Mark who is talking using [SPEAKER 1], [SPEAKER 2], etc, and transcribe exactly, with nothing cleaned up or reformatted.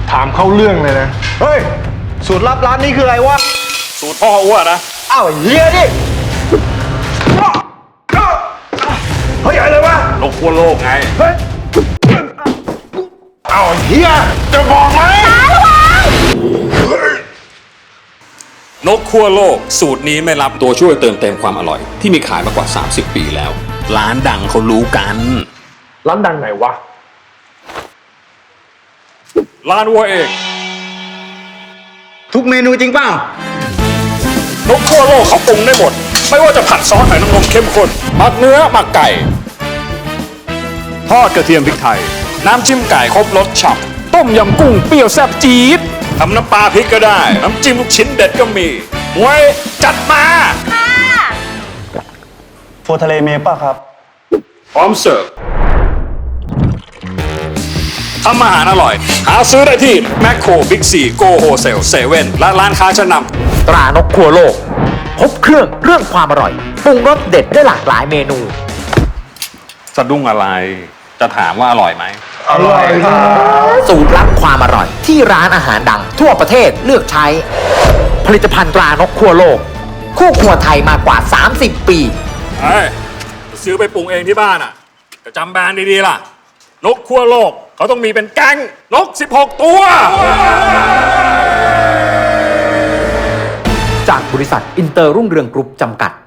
[SPEAKER 1] ถามเข้าเรื่องเลยนะเฮ้ยสูตรลับร้านนี้คืออะไรวะ
[SPEAKER 2] สูตรพ่ออ้วนนะ
[SPEAKER 1] อ้าวเฮียดิเฮ้ยอะไรวะ
[SPEAKER 2] นกขั้วโลกไง
[SPEAKER 1] เฮ้ยอ้าวเฮียจะบอกไหม
[SPEAKER 2] นกขั้วโลกสูตรนี้ไม่รับตัวช่วยเติมเต็มความอร่อยที่มีขายมากว่าสามสิบปีแล้วร้านดังเขารู้กัน
[SPEAKER 1] ร้านดังไหนวะ
[SPEAKER 2] ร้านวัวเอก
[SPEAKER 3] ทุกเมนูจริงเปล่า
[SPEAKER 2] นกขั้วโลกเขาปรุงได้หมดไม่ว่าจะผัดซอสหอยนางรมเข้มข้นหมักเนื้อหมักไก่ทอดกระเทียมพริกไทยน้ำจิ้มไก่ครบรสฉ่ำต้มยำกุ้งเปรี้ยวแซ่บจี๊ดทำน้ำปลาพริกก็ได้น้ำจิ้มลูกชิ้นเด็ดก็มีมวยจัดมา
[SPEAKER 1] โฟทะเลเมป่ะครับ
[SPEAKER 2] พร้อมเสิร์ฟทำอาหารอร่อยหาซื้อได้ที่แมคโครบิ๊กซีโกโฮเซลเซเว่นและร้านค้าชั้นนำ
[SPEAKER 4] ตรานกขั้วโลกครบเครื่องเรื่องความอร่อยปรุงรสเด็ดได้หลากหลายเมนู
[SPEAKER 2] สะดุ้งอะไรจะถามว่าอร่อยไหม
[SPEAKER 1] อร่อยครับ
[SPEAKER 4] สูตรลับความอร่อยที่ร้านอาหารดังทั่วประเทศเลือกใช้ผลิตภัณฑ์ตรานกขั้วโลกคู่ครัวไทยมากว่าสามสิบปี
[SPEAKER 2] เฮ้ยซื้อไปปรุงเองที่บ้านอ่ะก็จำแบรนด์ดีๆล่ะนกขั้วโลกเขาต้องมีเป็นแก๊งนกสิบหกตัว
[SPEAKER 4] จากบริษัทอินเตอร์รุ่งเรืองกรุ๊ปจำกัด